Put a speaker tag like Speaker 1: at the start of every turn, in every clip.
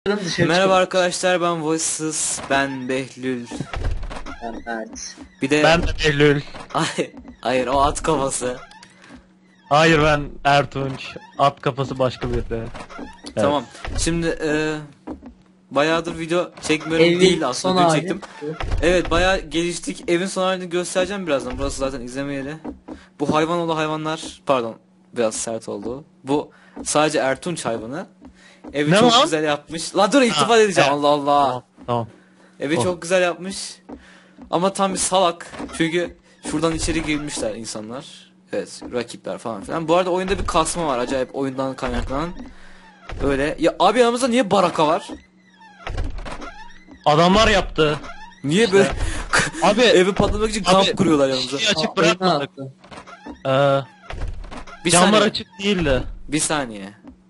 Speaker 1: Dışarı
Speaker 2: Merhaba arkadaşlar, ben Voices, ben Behlül.
Speaker 1: Evet.
Speaker 2: Bir de
Speaker 3: Ben de Behlül.
Speaker 2: hayır, o at kafası.
Speaker 3: Hayır, ben Ertunç. At kafası başka biri. Evet.
Speaker 2: Tamam. Şimdi bayağıdır video çekmiyorum
Speaker 1: Evin
Speaker 2: değil
Speaker 1: son
Speaker 2: aslında, dün
Speaker 1: hali.
Speaker 2: çektim. Evet, bayağı geliştik. Evin son halini göstereceğim birazdan. Burası zaten izlemeyeli. Bu hayvan hayvanlar, pardon, biraz sert oldu. Bu sadece Ertunç hayvanı. Evi
Speaker 3: Ne
Speaker 2: çok
Speaker 3: lan?
Speaker 2: güzel yapmış. La dur, iltifat edeceğim.
Speaker 3: evet.
Speaker 2: Allah Allah.
Speaker 3: Tamam.
Speaker 2: Evi
Speaker 3: Oh.
Speaker 2: çok güzel yapmış. Ama tam bir salak. Çünkü şuradan içeri girmişler insanlar. Evet, rakipler falan filan. Bu arada oyunda bir kasma var, acayip, oyundan kaynaklanan. Öyle. Ya abi, yanımızda niye baraka var?
Speaker 3: Adamlar yaptı.
Speaker 2: Niye böyle
Speaker 3: Abi
Speaker 2: evi patlamak için kamp kuruyorlar yanımıza?
Speaker 3: şeyi açık
Speaker 1: Oyunu
Speaker 3: bırakmadık.
Speaker 1: attı.
Speaker 3: Ee,
Speaker 2: Bir
Speaker 3: camlar
Speaker 2: saniye.
Speaker 3: açık değildi.
Speaker 2: Bir saniye.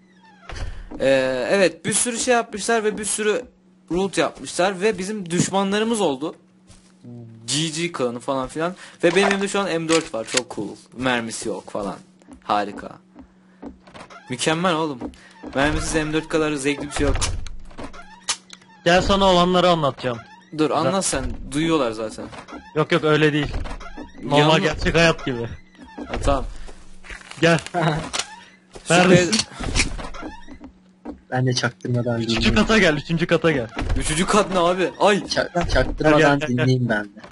Speaker 2: Evet, bir sürü şey yapmışlar ve bir sürü root yapmışlar ve bizim düşmanlarımız oldu. GG klanı falan filan. Ve benim elimde şu an M4 var, çok cool. Mermisi yok falan. Harika. Mükemmel oğlum. Mermisiz M4 kadar zevkli bir şey yok.
Speaker 3: Gel sana olanları anlatacağım.
Speaker 2: Dur, anlat sen. Duyuyorlar zaten.
Speaker 3: Yok öyle değil. Normal
Speaker 2: Yalnız-
Speaker 3: gerçek hayat gibi.
Speaker 2: Ha, tamam.
Speaker 3: Gel.
Speaker 2: Şu
Speaker 3: Neredesin?
Speaker 1: Ben de çaktırmadan
Speaker 3: Üçüncü
Speaker 1: dinleyeyim.
Speaker 3: kata gel. Üçüncü kata gel.
Speaker 2: Üçüncü kat ne abi? Ay.
Speaker 1: Çaktırmadan
Speaker 3: Gel.
Speaker 1: dinleyeyim ben de.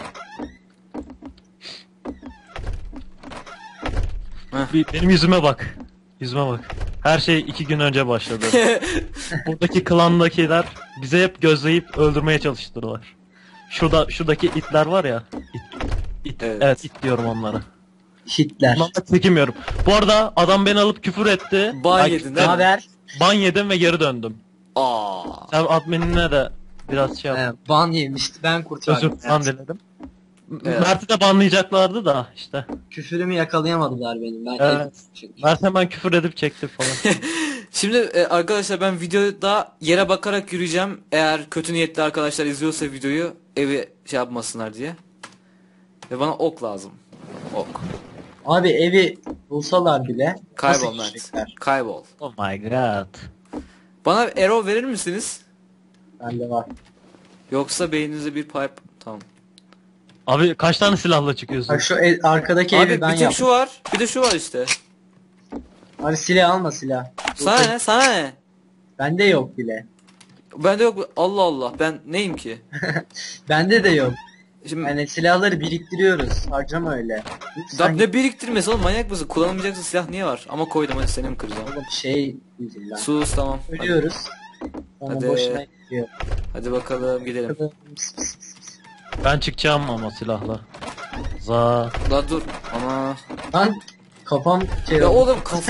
Speaker 3: Benim yüzüme bak. Yüzüme bak. Her şey 2 gün önce başladı. Buradaki klandakiler bize hep gözleyip öldürmeye çalıştılar. Şuradaki itler var ya. İt.
Speaker 2: Evet.
Speaker 3: Evet, it diyorum onlara.
Speaker 1: Hitler.
Speaker 3: Onlarla çekemiyorum. Bu arada adam beni alıp küfür etti.
Speaker 2: Ban
Speaker 3: Ay,
Speaker 2: yedin değil
Speaker 1: Ne
Speaker 2: mi?
Speaker 1: haber?
Speaker 3: Ban yedim ve geri döndüm.
Speaker 2: Aa.
Speaker 3: Sen adminine de biraz şey yap.
Speaker 1: Ban yemişti. Ben kurtardım.
Speaker 3: Özür falan diledim.
Speaker 2: Evet.
Speaker 3: Mert'i de banlayacaklardı da işte.
Speaker 1: Küfürümü yakalayamadılar benim. Ben
Speaker 3: Evet.
Speaker 1: çünkü.
Speaker 3: Mert hemen küfür edip çekti falan.
Speaker 2: Şimdi arkadaşlar, ben videoda yere bakarak yürüyeceğim. Eğer kötü niyetli arkadaşlar izliyorsa videoyu, evi şey yapmasınlar diye. Ve bana ok lazım. Ok.
Speaker 1: Abi evi bulsalar bile
Speaker 2: Kaybol
Speaker 1: nasıl
Speaker 2: Mert.
Speaker 1: gidecekler?
Speaker 2: Kaybol.
Speaker 3: Oh my god.
Speaker 2: Bana arrow verir misiniz?
Speaker 1: Bende var.
Speaker 2: Yoksa beyninize bir pipe. Tamam.
Speaker 3: Abi kaç tane silahla çıkıyorsun?
Speaker 1: Bak şu arkadaki
Speaker 2: Abi
Speaker 1: evi ben
Speaker 2: bir tek
Speaker 1: yaptım.
Speaker 2: şu var. Bir de şu var işte.
Speaker 1: Abi silah alma silah.
Speaker 2: Sana ne? Sana ne?
Speaker 1: Bende yok bile.
Speaker 2: Bende yok. Allah Allah. Ben neyim ki?
Speaker 1: Bende de yok.
Speaker 2: Şimdi
Speaker 1: Yani silahları biriktiriyoruz. Harcama öyle. Lütfen
Speaker 2: ne biriktirmesi oğlum, manyak mısın? Kullanılmayacaksa silah niye var? Ama koydum, hadi seni mi kıracağım?
Speaker 1: oğlum şey yüzünden.
Speaker 2: Sus, tamam. Hadi,
Speaker 1: Ölüyoruz. Ama
Speaker 2: Hadi.
Speaker 1: boşuna gidiyor.
Speaker 2: hadi bakalım gidelim.
Speaker 3: Ben çıkacağım ama silahla. Za.
Speaker 2: La dur. Ama
Speaker 1: Lan kafam şey
Speaker 2: ya
Speaker 1: oldu.
Speaker 2: oğlum, kafa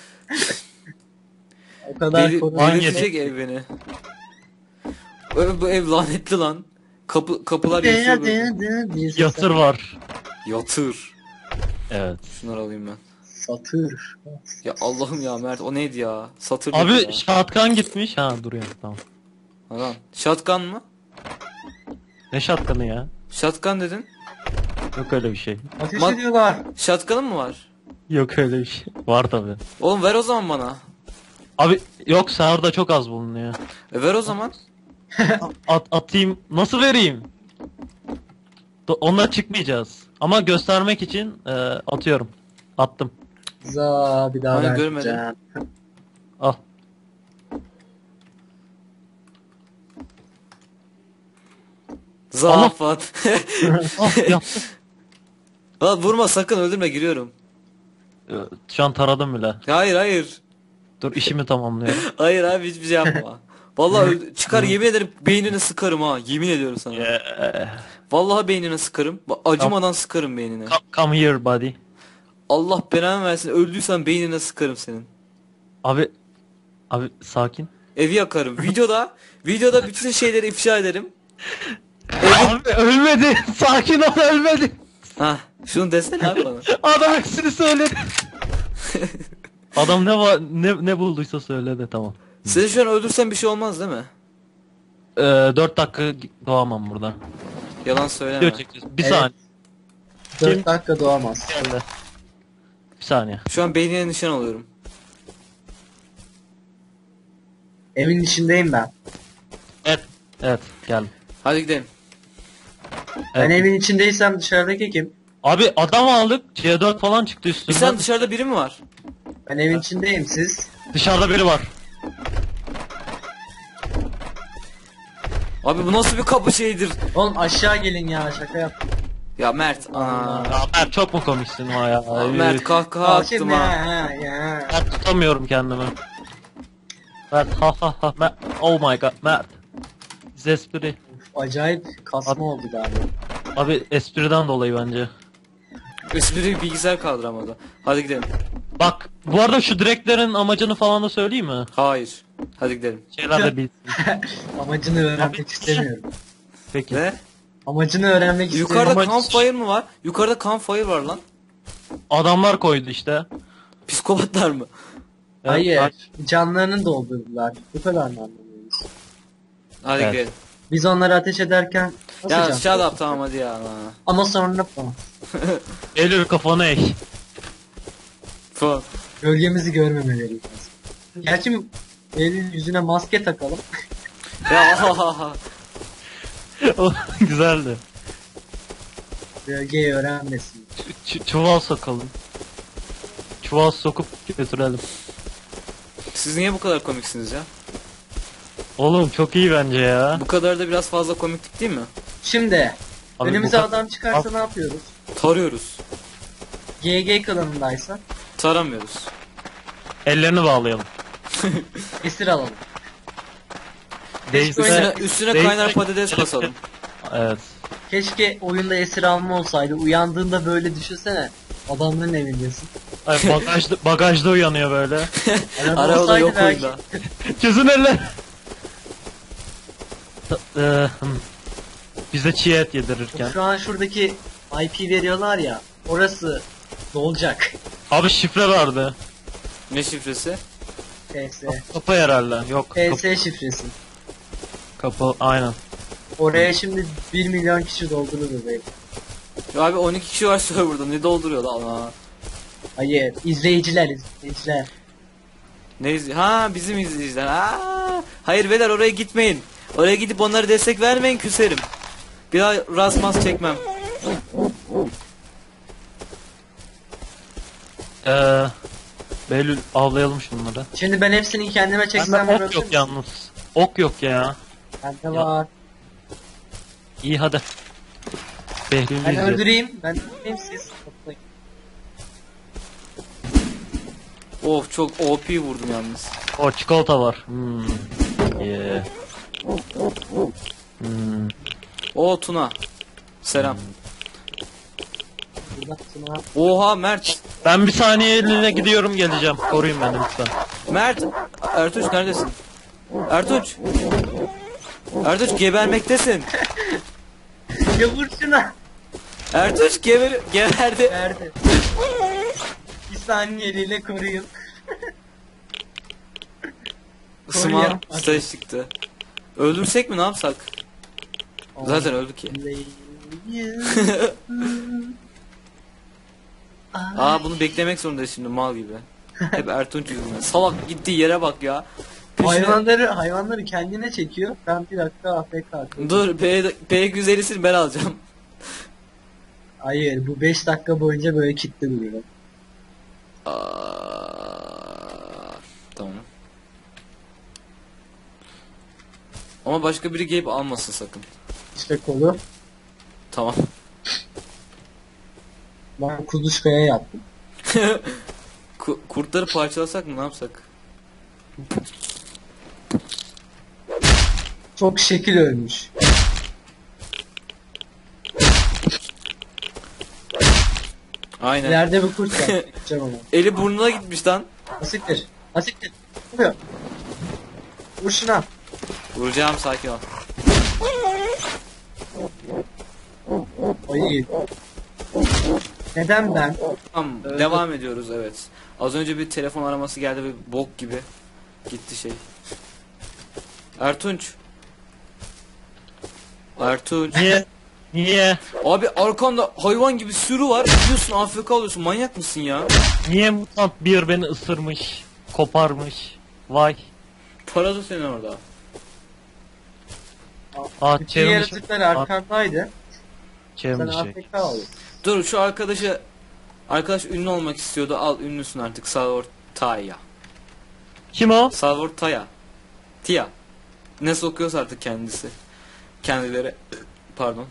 Speaker 1: O kadar korunmuş.
Speaker 2: delirtecek ev beni. Bu ev lanetli lan. Kapılar yatıyor böyle.
Speaker 3: Yatır var.
Speaker 2: Yatır.
Speaker 3: Evet.
Speaker 2: Şunları alayım ben.
Speaker 1: Satır.
Speaker 2: Ya Allah'ım ya Mert, o neydi ya? Satır
Speaker 3: Abi
Speaker 2: dedi ya.
Speaker 3: shotgun gitmiş. Ha duruyor tamam.
Speaker 2: Lan. Shotgun mı?
Speaker 3: Ne shotgun'ı ya?
Speaker 2: Shotgun dedin.
Speaker 3: Yok öyle bir şey.
Speaker 1: Ateş
Speaker 2: Bak-
Speaker 1: ediyorlar.
Speaker 2: Shotgun'ın mı var?
Speaker 3: Yok öyle bir şey. Var tabi.
Speaker 2: Oğlum ver o zaman bana.
Speaker 3: Abi yok sahurda çok az bulunuyor.
Speaker 2: Ver o zaman.
Speaker 3: Atayım. Nasıl vereyim? Onunla çıkmayacağız. Ama göstermek için atıyorum. Attım.
Speaker 1: Za bir daha
Speaker 2: Hani
Speaker 1: vermeyeceğim.
Speaker 2: görmedim.
Speaker 3: Al.
Speaker 2: Zafat.
Speaker 3: Al yaptım.
Speaker 2: Lan vurma sakın, öldürme, giriyorum.
Speaker 3: Şu an taradım bile.
Speaker 2: Hayır hayır.
Speaker 3: Dur işimi tamamlıyorum.
Speaker 2: Hayır abi, hiçbir şey yapma. Vallahi çıkar, yemin ederim beynine sıkarım ha. Yemin ediyorum sana. Vallahi beynine sıkarım. Acımadan sıkarım beynine.
Speaker 3: Come here buddy.
Speaker 2: Allah belanı versin. Öldüysen beynine sıkarım senin.
Speaker 3: Abi sakin.
Speaker 2: Evi yakarım. Videoda bütün şeyleri ifşa ederim.
Speaker 3: Abi ölmedi. Sakin ol ölmedi.
Speaker 2: Ha, şunu desene abi bana.
Speaker 3: Adam hepsini söyledi. Adam ne bulduysa söyledi tamam.
Speaker 2: Seni şu an öldürsen bir şey olmaz değil mi?
Speaker 3: 4 dakika doğamam buradan.
Speaker 2: Yalan söyleme.
Speaker 3: Video çekeceğiz. Bir
Speaker 1: Evet.
Speaker 3: saniye.
Speaker 1: 4 dakika doğamaz.
Speaker 3: Geldi. Bir saniye.
Speaker 2: Şu an beynine nişan alıyorum.
Speaker 1: Evin içindeyim ben.
Speaker 3: Evet. Evet gel.
Speaker 2: Hadi gidelim.
Speaker 1: Ben
Speaker 3: Evet.
Speaker 1: evin içindeysem dışarıdaki kim?
Speaker 3: Abi adam aldık. C4 falan çıktı
Speaker 2: Bir
Speaker 3: üstünden.
Speaker 2: sen dışarıda biri mi var?
Speaker 1: Ben evin içindeyim, siz.
Speaker 3: Dışarıda biri var.
Speaker 2: Abi bu nasıl bir kapı şeydir?
Speaker 1: Oğlum aşağı gelin ya, şaka yap.
Speaker 2: Ya Mert. Ana.
Speaker 3: Ya Mert çok mu komiksin ha ya?
Speaker 2: Mert kahkaha
Speaker 1: Aa, şimdi
Speaker 2: attım ha.
Speaker 1: ya.
Speaker 3: Mert tutamıyorum kendimi. Mert ha ha ha Mert. Oh my god Mert. Biz espri.
Speaker 1: Acayip kasma oldu galiba.
Speaker 3: Abi espriden dolayı bence.
Speaker 2: Espriyi bilgisayar kaldıramadı. Hadi gidelim.
Speaker 3: Bak bu arada şu direklerin amacını falan da söyleyeyim mi?
Speaker 2: Hayır. Hadi gidelim.
Speaker 3: Şeyler de bilsin.
Speaker 1: Amacını öğrenmek
Speaker 3: Abi,
Speaker 1: istemiyorum.
Speaker 3: Peki.
Speaker 2: Ne?
Speaker 1: Amacını öğrenmek
Speaker 2: Yukarıda
Speaker 1: istemiyorum.
Speaker 2: campfire mı var? Yukarıda campfire var lan.
Speaker 3: Adamlar koydu işte.
Speaker 2: Psikopatlar mı?
Speaker 1: Hayır. Canlarını doldurdular. Bu kadar mı anlamıyoruz?
Speaker 2: Hadi
Speaker 3: Evet.
Speaker 2: gidelim.
Speaker 1: Biz onları ateş ederken nasıl
Speaker 2: Ya
Speaker 1: can
Speaker 2: shut
Speaker 1: doldurduk?
Speaker 2: up tamam hadi ya.
Speaker 1: Ama sonra falan.
Speaker 3: Eylül kafanı eğ.
Speaker 2: Falan.
Speaker 1: Gölgemizi görmemeleri lazım. Gerçi elin yüzüne maske takalım.
Speaker 2: Ya ha ha ha.
Speaker 3: O güzeldi.
Speaker 1: Gölgeyi öğrenmesin.
Speaker 3: Çuval sokalım. Çuval sokup götürelim.
Speaker 2: Siz niye bu kadar komiksiniz ya?
Speaker 3: Oğlum çok iyi bence ya.
Speaker 2: Bu kadar da biraz fazla komiklik değil mi?
Speaker 1: Şimdi
Speaker 3: Abi
Speaker 1: önümüze
Speaker 3: bu ka-
Speaker 1: adam çıkarsa ne yapıyoruz?
Speaker 2: Tarıyoruz.
Speaker 1: GG klanındaysa
Speaker 2: Taramıyoruz.
Speaker 3: Ellerini bağlayalım.
Speaker 1: esir alalım.
Speaker 3: Değilse-
Speaker 2: Üstüne
Speaker 3: değilse-
Speaker 2: kaynar patates basalım.
Speaker 3: Evet.
Speaker 1: Keşke oyunda esir alma olsaydı. Uyandığında böyle düşünsene. Adamların evindesin.
Speaker 3: Ay, bagajda uyanıyor böyle.
Speaker 2: Arabada
Speaker 1: olsaydı
Speaker 2: yok
Speaker 1: belki-
Speaker 2: oyunda.
Speaker 3: Çözün eller. Bize çiğ et yedirirken.
Speaker 1: Şu an şuradaki IP veriyorlar ya. Orası dolacak.
Speaker 3: Abi şifre vardı.
Speaker 2: Ne şifresi?
Speaker 1: PS.
Speaker 3: Kapı herhalde. Yok.
Speaker 1: PS şifresi.
Speaker 3: Kapı aynen.
Speaker 1: Oraya şimdi 1 milyon kişi doldurur belki.
Speaker 2: Ya abi 12 kişi var serverda ne dolduruyor lan Allah.
Speaker 1: Hayır, izleyiciler.
Speaker 2: Ha bizim izleyiciler. Aa, hayır beyler oraya gitmeyin. Oraya gidip onlara destek vermeyin küserim. Bir daha rasmas çekmem.
Speaker 3: Behlül avlayalım şunları.
Speaker 1: Şimdi ben hepsini kendime çeksem
Speaker 3: Bende ok
Speaker 1: vurabilir
Speaker 3: yok
Speaker 1: misin?
Speaker 3: yalnız. Ok yok ya.
Speaker 1: Bende
Speaker 3: Ya.
Speaker 1: var.
Speaker 3: İyi hadi. Behlül'ü
Speaker 1: Ben
Speaker 3: izleyelim.
Speaker 1: öldüreyim. Ben öldüreyim siz. toplayın.
Speaker 2: Of çok OP vurdum yalnız.
Speaker 3: O çikolata var. Yeah. Hmm.
Speaker 2: O Tuna. Selam.
Speaker 1: Buradan sonra
Speaker 2: Oha Mert.
Speaker 3: Ben bir saniyeliğine gidiyorum geleceğim. Koruyun beni lütfen.
Speaker 2: Mert. Ertuğ neredesin? Ertuğ. Ertuğ gebermektesin.
Speaker 1: ya vur şuna.
Speaker 2: Ertuğ geberdi.
Speaker 1: Verdi. Bir saniyeliğine koruyun.
Speaker 2: Smart staj çıktı. Öldürsek mi ne yapsak? Zaten öldük ki. Aa bunu beklemek zorundayız şimdi mal gibi. Hep Ertunç yüzünden. Salak gittiği yere bak ya. Peşine-
Speaker 1: hayvanları kendine çekiyor. Ben bir dakika AFK kalkıyorum.
Speaker 2: Dur P250'sini ben alacağım.
Speaker 1: Hayır, bu 5 dakika boyunca böyle kilitli duruyor.
Speaker 2: Tamam. Ama başka biri gelip almasın sakın.
Speaker 1: İşte kolu.
Speaker 2: Tamam.
Speaker 1: Ben kuluçkaya yaptım.
Speaker 2: Kurtları parçalasak mı ne yapsak?
Speaker 1: Çok şekil ölmüş.
Speaker 2: Aynen.
Speaker 1: İleride bir kurt var. Gideceğim ama.
Speaker 2: Eli burnuna gitmiş lan.
Speaker 1: Asiktir. Asiktir. Ne yapıyor? Vur şuna.
Speaker 2: Vuracağım sakin ol.
Speaker 1: Ay. Neden ben?
Speaker 2: Tamam
Speaker 1: Evet.
Speaker 2: devam ediyoruz evet. Az önce bir telefon araması geldi ve bok gibi gitti şey. Ertunç. Ertunç.
Speaker 3: Niye? Niye?
Speaker 2: Abi arkanda hayvan gibi sürü var. Gidiyorsun AFK alıyorsun. Manyak mısın ya?
Speaker 3: Niye mutant bir beni ısırmış? Koparmış. Vay.
Speaker 2: Paradı seni orada.
Speaker 1: Bütün
Speaker 3: çevrim dışı.
Speaker 1: yaratıklar arkandaydı.
Speaker 3: Çevrim
Speaker 1: Sen
Speaker 3: dışı.
Speaker 1: AFK oldun.
Speaker 2: Dur şu arkadaş ünlü olmak istiyordu. Al ünlüsün artık. Salvador Taya.
Speaker 3: Kim o?
Speaker 2: Salvador Taya. Tia. Nasıl okuyorsa artık kendisi. Kendileri. Pardon.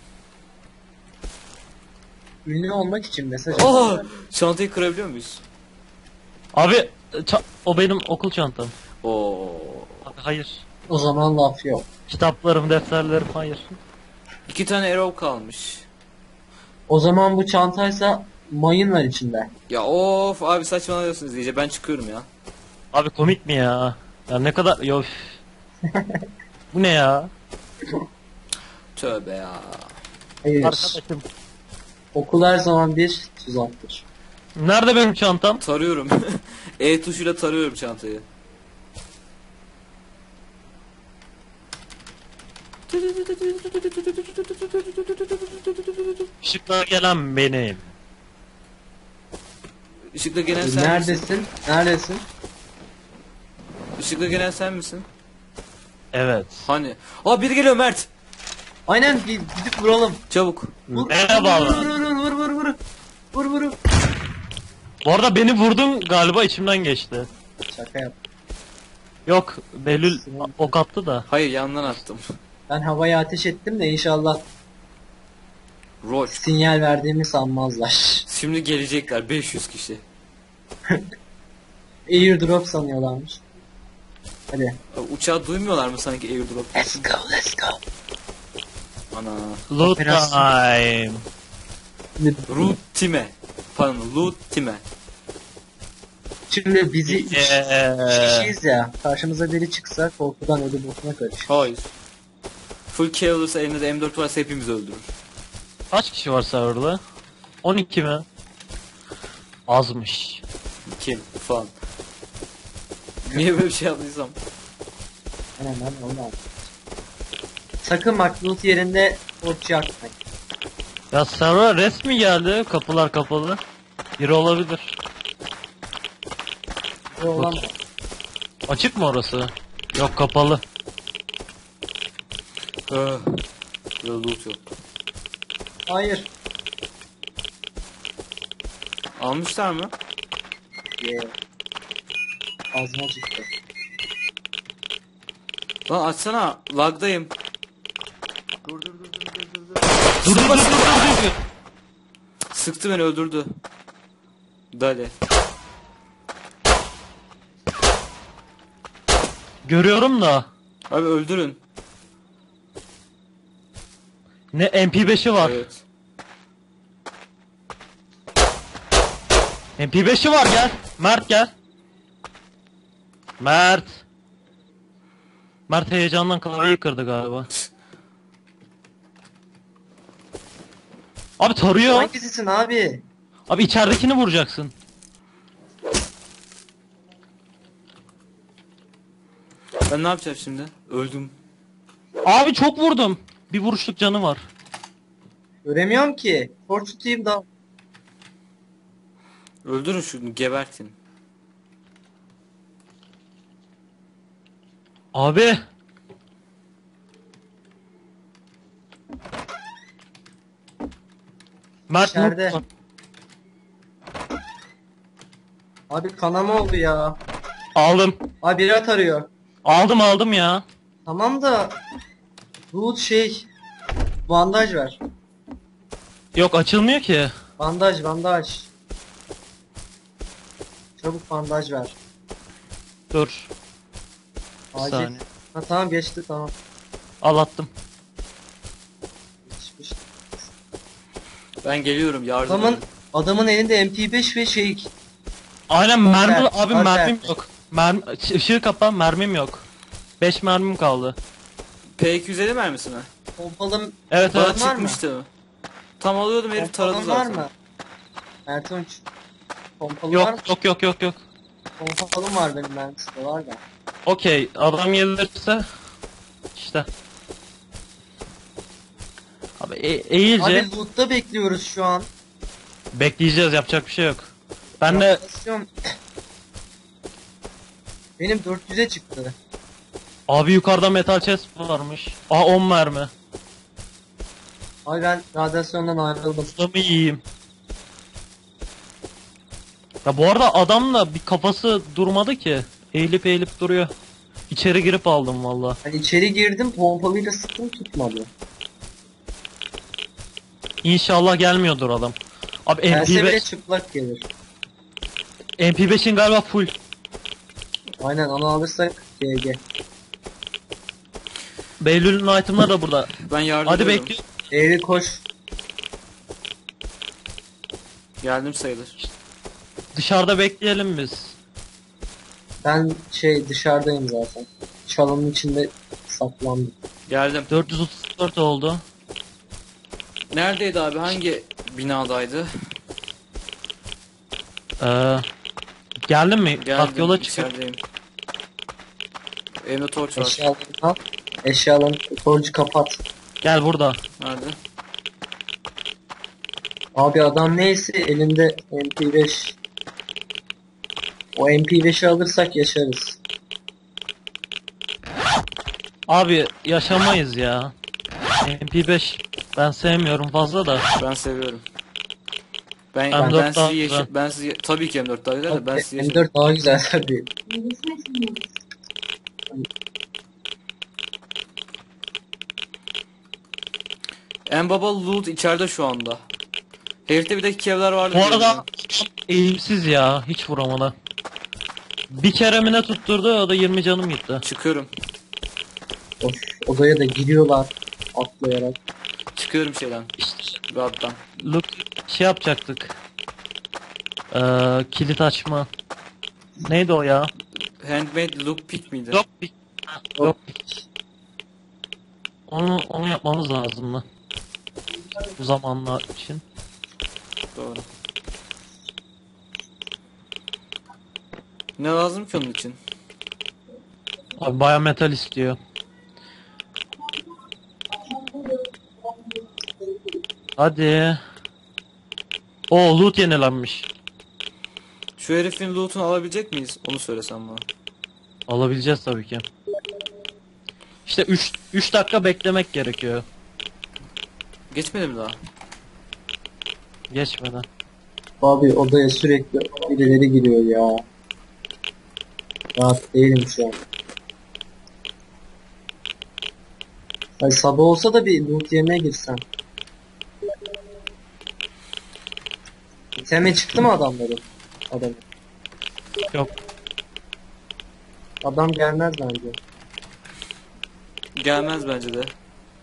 Speaker 1: Ünlü olmak için mesaj
Speaker 2: Oh!
Speaker 1: atıyorlar.
Speaker 2: Çantayı kırabiliyor muyuz?
Speaker 3: Abi o benim okul çantam.
Speaker 2: Oo.
Speaker 3: Abi hayır.
Speaker 1: O zaman laf yok.
Speaker 3: Kitaplarım, defterlerim hayır.
Speaker 2: 2 tane arrow kalmış.
Speaker 1: O zaman bu çantaysa mayın var içinde.
Speaker 2: Ya of abi saçmalıyorsunuz iyice. Ben çıkıyorum ya.
Speaker 3: Abi komik mi ya? Ya ne kadar... Yof. Bu ne ya?
Speaker 2: Tövbe ya.
Speaker 1: Hayır.
Speaker 3: Arkadaşım.
Speaker 1: Okul her zaman bir tuzaktır.
Speaker 3: Nerede benim çantam?
Speaker 2: Tarıyorum. E tuşuyla tarıyorum çantayı.
Speaker 3: Işıklar gelen benim.
Speaker 2: Işıkla gelen sen misin?
Speaker 1: Neredesin? Neredesin?
Speaker 2: Işıkla gelen sen misin?
Speaker 3: Evet.
Speaker 2: Hani? Aa biri geliyor Mert.
Speaker 1: Aynen gidip vuralım.
Speaker 2: Çabuk.
Speaker 1: Vur,
Speaker 3: Merhaba.
Speaker 1: Vur vur vur vur vur. Vur vur.
Speaker 3: Bu arada beni vurdun galiba içimden geçti.
Speaker 1: Şaka yap.
Speaker 3: Yok Belül ok attı da.
Speaker 2: Hayır yandan attım.
Speaker 1: Ben havaya ateş ettim de inşallah
Speaker 2: Rol.
Speaker 1: sinyal verdiğimi sanmazlar.
Speaker 2: Şimdi gelecekler 500 kişi.
Speaker 1: Airdrop sanıyorlarmış. Hadi.
Speaker 2: Uçağı duymuyorlar mı sanki airdrop?
Speaker 1: Let's go let's go.
Speaker 2: Ana.
Speaker 3: Loot
Speaker 1: Operasyon.
Speaker 3: time.
Speaker 1: Şimdi,
Speaker 2: Time. Pardon Time.
Speaker 1: şimdi bizi üç
Speaker 3: Yeah.
Speaker 1: kişiyiz ya. Karşımıza biri çıksa korkudan ölü bokuna karış.
Speaker 2: Hayır. Full kill olursa elinde de M4 varsa hepimiz öldürür.
Speaker 3: Kaç kişi var serverda? 12 mi? Azmış.
Speaker 2: Kill falan. Niye böyle bir şey yaptıysam?
Speaker 1: Hemen onu al. Sakın bak loot yerinde okçu atmayın.
Speaker 3: Ya server resmi geldi. Kapılar kapalı. Biri olabilir.
Speaker 1: Bu olan
Speaker 3: Açık mı orası? Yok kapalı.
Speaker 2: Burada loot yok.
Speaker 1: hayır.
Speaker 2: Almışlar mı?
Speaker 1: Yeah. Ağzıma çıktı.
Speaker 2: Lan açsana. Lagdayım.
Speaker 3: Dur dur dur dur dur.
Speaker 2: Sıktı beni öldürdü. Dale.
Speaker 3: Görüyorum da.
Speaker 2: Abi öldürün.
Speaker 3: Ne MP5'i var.
Speaker 2: Evet.
Speaker 3: MP5'i var gel. Mert gel. Mert. Mert heyecandan klavyeyi kırdı galiba. Abi tarıyor.
Speaker 1: Hangisisin abi?
Speaker 3: Abi içeridekini vuracaksın.
Speaker 2: Ben ne yapacağım şimdi? Öldüm.
Speaker 3: Abi çok vurdum. Bir vuruşluk canı var.
Speaker 1: Göremiyorum ki. Tor tutayım da.
Speaker 2: Öldürün şunu gebertin.
Speaker 3: Abi. Mert
Speaker 1: İçeride.
Speaker 3: mutlu.
Speaker 1: Abi kanama oldu ya.
Speaker 3: Aldım.
Speaker 1: Abi biri at arıyor.
Speaker 3: Aldım ya.
Speaker 1: Tamam da loot şey bandaj ver.
Speaker 3: Yok açılmıyor ki.
Speaker 1: Bandaj. Çabuk bandaj ver.
Speaker 3: Dur. Bir
Speaker 1: Acil.
Speaker 3: saniye.
Speaker 1: Ha tamam geçti tamam.
Speaker 3: Al attım.
Speaker 1: Geçmiş.
Speaker 2: Ben geliyorum yardım
Speaker 1: Adamın
Speaker 2: edin.
Speaker 1: adamın elinde MP5 ve şey.
Speaker 3: Aynen mermi
Speaker 1: Alper,
Speaker 3: abi
Speaker 1: Alper.
Speaker 3: mermim yok. Işığı kapa mermim yok. 5 mermim kaldı.
Speaker 2: P250 mermisi mi?
Speaker 1: Pompalım
Speaker 3: Evet
Speaker 2: Bana
Speaker 3: evet.
Speaker 1: var mı?
Speaker 2: çıkmıştı. Tam alıyordum herif taradı
Speaker 1: Pompalım var
Speaker 2: zaten.
Speaker 1: mı? Ertunç. Pompalı var mı?
Speaker 3: Yok.
Speaker 1: Pompalım var benim mermisi var da.
Speaker 3: Okey adam gelirse işte. Abi eğilce
Speaker 1: Abi loot'ta bekliyoruz şu an.
Speaker 3: bekleyeceğiz yapacak bir şey yok. Ben de
Speaker 1: Basıyorum. Benim 400'e çıktı.
Speaker 3: abi yukarıda metal chest varmış. Aa 10 mermi.
Speaker 1: Ay ben radyasyondan ayrıldım.
Speaker 3: Hızlı yiyeyim. Ya bu arada adamla bir kafası durmadı ki. Eğilip eğilip duruyor. İçeri girip aldım valla.
Speaker 1: Ben içeri girdim, pompalıyla sıktım, tutmadı.
Speaker 3: İnşallah gelmiyordur adam. Abi
Speaker 1: Gelse bile
Speaker 3: MP5,
Speaker 1: çıplak gelir.
Speaker 3: MP5'in galiba full.
Speaker 1: Aynen, onu alırsak GG.
Speaker 3: Beylül'ün item'ları da burada.
Speaker 2: Ben yardım
Speaker 3: Hadi
Speaker 2: ediyorum.
Speaker 3: bekliyorum.
Speaker 1: Eğri koş.
Speaker 2: Geldim sayılır.
Speaker 3: Dışarıda bekleyelim biz.
Speaker 1: Ben dışarıdayım zaten. Çalının içinde saklandım.
Speaker 2: Geldim.
Speaker 3: 434 oldu.
Speaker 2: Neredeydi abi? Hangi binadaydı?
Speaker 3: Geldin mi? Bak
Speaker 2: Geldim.
Speaker 3: yola çık.
Speaker 2: içerideyim. Elimde torç var.
Speaker 1: Eşyalarını al. Eşyalarını, torcu kapat.
Speaker 3: Gel burada.
Speaker 2: Nerede?
Speaker 1: Abi adam neyse elinde MP5. O MP5'i alırsak yaşarız.
Speaker 3: Abi yaşamayız ya. MP5 ben sevmiyorum fazla da.
Speaker 2: Ben seviyorum. Ben
Speaker 3: M4
Speaker 2: ben
Speaker 3: daha
Speaker 2: sizi
Speaker 3: güzel.
Speaker 2: ben sizi tabii ki M4 daha güzel de ben sizi
Speaker 1: M4 daha güzel tabii.
Speaker 2: En baba loot içeride şu anda. Herifte bir de kevler vardı.
Speaker 3: Bu
Speaker 2: diyorum
Speaker 3: arada
Speaker 2: ya.
Speaker 3: eğimsiz ya hiç vuramadı. Bir kere mi ne tutturdu o da 20 canım gitti.
Speaker 2: Çıkıyorum.
Speaker 1: Of, odaya da giriyorlar atlayarak.
Speaker 2: Çıkıyorum şeyden.
Speaker 3: İşte
Speaker 2: God'dan.
Speaker 3: look şey yapacaktık. Kilit açma. Neydi o ya?
Speaker 2: Handmade lockpick miydi?
Speaker 3: Yok bir. Yok. Onu yapmamız lazımdı. Bu zamanlar için.
Speaker 2: Doğru. Ne lazım ki onun için?
Speaker 3: Abi baya metal istiyor. Hadi. O loot yenilenmiş.
Speaker 2: Şu herifin loot'unu alabilecek miyiz? Onu söylesen bana.
Speaker 3: Alabileceğiz tabii ki. İşte 3 dakika beklemek gerekiyor.
Speaker 2: Geçmedi mi daha?
Speaker 3: Geçmeden.
Speaker 1: Abi odaya sürekli birileri giriyor ya. Rahat değilim şu an. Ay sabah olsa da bir loot yemeye girsem. Teme çıktı mı adamların? Adam.
Speaker 3: Yok.
Speaker 1: Adam gelmez bence.
Speaker 2: Gelmez bence de.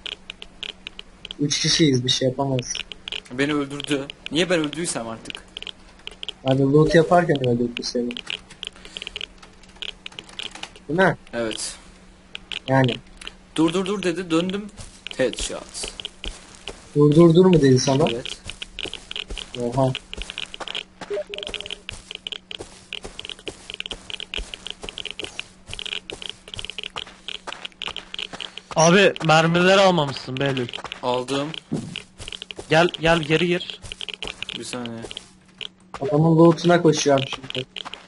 Speaker 1: 3 kişiyiz, bir şey yapamaz.
Speaker 2: Beni öldürdü. Niye ben öldüysem artık?
Speaker 1: Hani loot yaparken öldürdü seni. Değil mi?
Speaker 2: Evet.
Speaker 1: Yani.
Speaker 2: Dur dedi, döndüm. Headshot.
Speaker 1: Dur mu dedi sana?
Speaker 2: Evet.
Speaker 1: Oha.
Speaker 3: Abi mermileri almamışsın Behlül.
Speaker 2: Aldım.
Speaker 3: Gel geri gir.
Speaker 2: Bir saniye.
Speaker 1: Adamın lootuna koşuyorum şimdi.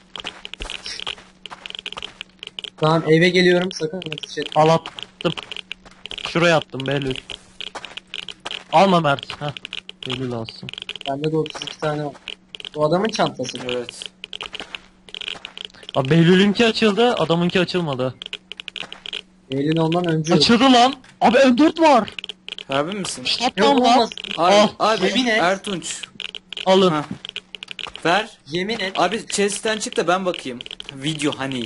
Speaker 1: Tamam, eve geliyorum, sakın ateş et.
Speaker 3: Al attım. Şuraya attım Behlül. Alma Mert. Heh. Behlül alsın.
Speaker 1: Bende de 32 tane var. Bu adamın çantası.
Speaker 2: Evet.
Speaker 3: Abi Behlül'ünki açıldı, adamınki açılmadı.
Speaker 1: Eylül ondan önce
Speaker 3: Açıldı lan. Abi M4 var.
Speaker 2: Harbi misin?
Speaker 3: Stop
Speaker 1: yok.
Speaker 3: lan lan.
Speaker 1: Olmasın.
Speaker 2: Abi,
Speaker 3: Al,
Speaker 2: abi
Speaker 1: yemin et.
Speaker 2: Ertunç.
Speaker 3: Alın.
Speaker 2: Ha. Ver.
Speaker 1: Yemin et.
Speaker 2: Abi chest'ten çık da ben bakayım. Video hani.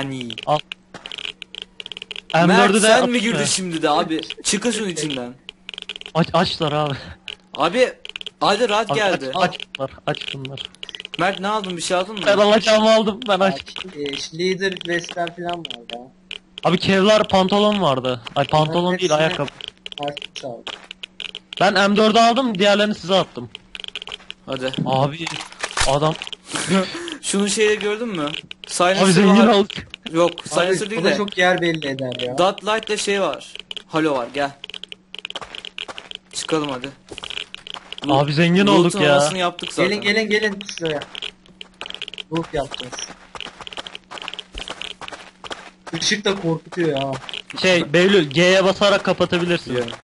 Speaker 2: Mert
Speaker 3: M4'ü de
Speaker 2: sen mi
Speaker 3: atayım
Speaker 2: girdin
Speaker 3: mı?
Speaker 2: şimdi de abi? Çıkın şunun içinden.
Speaker 3: Açlar abi.
Speaker 2: Abi hadi rahat
Speaker 3: Abi
Speaker 2: geldi.
Speaker 3: Aç bunlar. Aç bunlar.
Speaker 2: Mert ne aldın, bir şey aldın
Speaker 3: Ben
Speaker 2: mı?
Speaker 3: alacağımı aldım. Ben aç.
Speaker 1: Leader vestler falan var ya.
Speaker 3: Abi Kevlar pantolon vardı. Ay pantolon değil
Speaker 1: hepsini-
Speaker 3: ayakkabı.
Speaker 1: Artık çal.
Speaker 3: Ben M4'ü aldım. Diğerlerini size attım.
Speaker 2: Hadi.
Speaker 3: Abi adam.
Speaker 2: Şunun şeyi gördün mü?
Speaker 3: Abi
Speaker 2: Silencer
Speaker 3: zengin
Speaker 2: var.
Speaker 3: olduk.
Speaker 2: Yok,
Speaker 1: Abi,
Speaker 2: silencer değil
Speaker 1: o da
Speaker 2: de.
Speaker 1: çok yer belli eder ya.
Speaker 2: Dot light'la şey var. Halo var, gel. Çıkalım hadi.
Speaker 3: Abi zengin
Speaker 2: Loot'un
Speaker 3: olduk ya.
Speaker 2: havasını yaptık zaten.
Speaker 1: Gelin şuraya. Loot yapacağız. Işık da korkutuyor ya.
Speaker 3: Behlül G'ye basarak kapatabilirsin.
Speaker 2: Biliyorum.